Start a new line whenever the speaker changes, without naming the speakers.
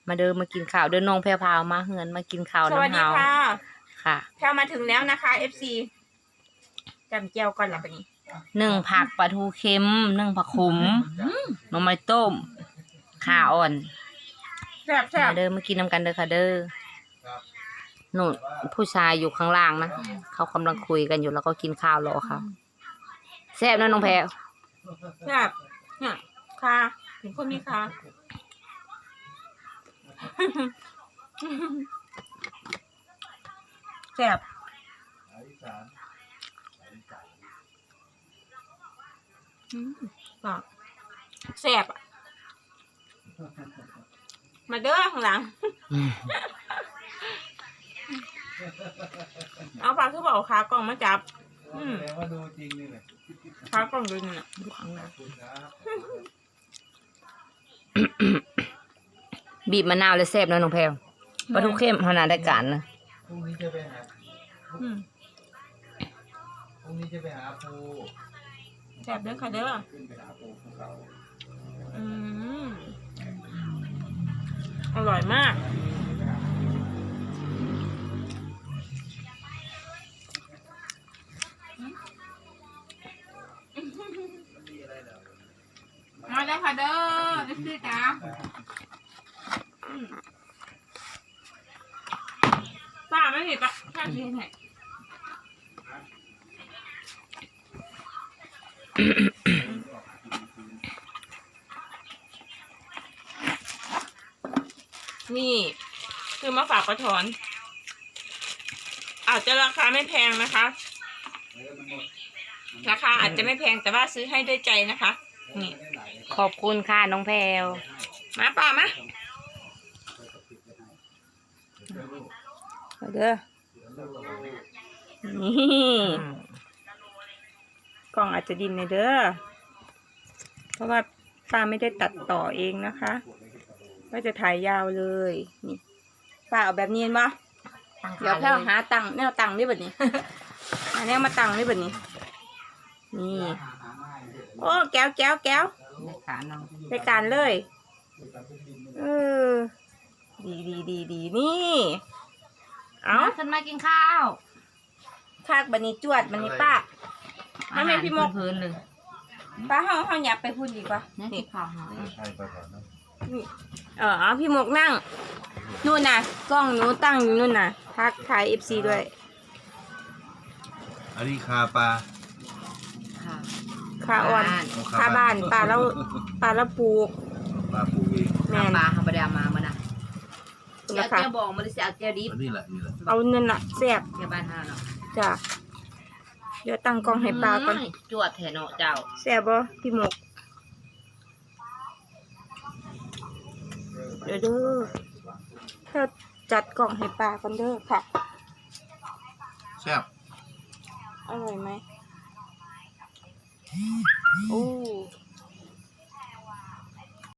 มาเดินมากินข้าวเดินน้องแพรพาวมาเฮือนมากินข้าวน้ำเฮาสวัสดีค่ะค่ะ
แพรมาถึงแล้วนะคะ FC จำเจียวก่อนละปะนี้
1ผักปลาทูเค็ม1ผักขมหน่อไม้ต้มข่าอ่อน
แซ่บ
มาเดินมากินน้ำกันเด้อค่ะเด้อหนูผู้ชายอยู่ข้างล่างนะเขากำลังคุยกันอยู่แล้วก็กินข้าวรอค่ะแซ่บนะน้องแพร
แซ่บเนี่ยค่ะถึงคนนี้ค่ะแซ่บแซ่บอ่ะมาเด้อข้างหลังเอาปลาคือบอกขากล่องมาจับ
ว่าดูจริงนี่แหละ
ขากล่องดูนี่น่ะดูข้างหลัง
บีบมะนาวเลยแซ่บนะน้องแพรปลาทูเข้มขนาดได้การนะ
พรุ่งนี้จะไปหาพรุ่งนี้จะไปหาปู
แซ่บเด้อค่ะเด้อ
ขึ้นไปหาปูภูเขา
อร่อยมากมาแล้วค่ะเด้อนี่สิจ้าป้าไม่เห็นปะแค่นี้เห็นนี่คือมาฝากประถอนอาจจะราคาไม่แพงนะคะราคาอาจจะไม่แพงแต่ว่าซื้อให้ด้วยใจนะคะนี่
ขอบคุณค่ะน้องแพร
มาป่ามาเด้อนี่กล่องอาจจะดินในเด้อเพราะว่าป้าไม่ได้ตัดต่อเองนะคะก็จะถ่ายยาวเลยนี่ป้าเอาแบบนี้เห็นปะเดี๋ยวแค่หาตังค์แนวตังค์นี่แบบนี้หาแนวมาตังค์นี่แบบนี้นี่โอ้แก้วในการเลยดีนี่เอา
ขึ้นมากินข้าว
คากบันนี้จวดบันนี้ป้าไม่เป็นพี่มก
พื้นเลย
ป้าเขาหยับไปพูดดีกว่า
นี่ข้าว
นี่พี่มกนั่งนู่นน่ะกล้องหนูตั้งอยู่นู่นน่ะทักทาย FC ด้วย
อันนี้คาปลา
คาอ่อนคาบ้านปลาแล้วปลูก
ปลาปูเอง
แม่ปลาธรรมดามานะเจ้าบอกมาเลยเสียเจ้าดิบ
นี่แหละ
เอาเงินน่ะแซ่บ
แค่บ้านห้าเนาะ
จ้ะเดี๋ยวตั้งกล้องให้ปลาก่อน
จวดแทนเนาะเจ้า
แซ่บบ่พี่หมกเด้อถ้าจัดกล่องให้ปลาก่อนเด้อค่ะ
แซ่บ
อร่อยไหมโอ้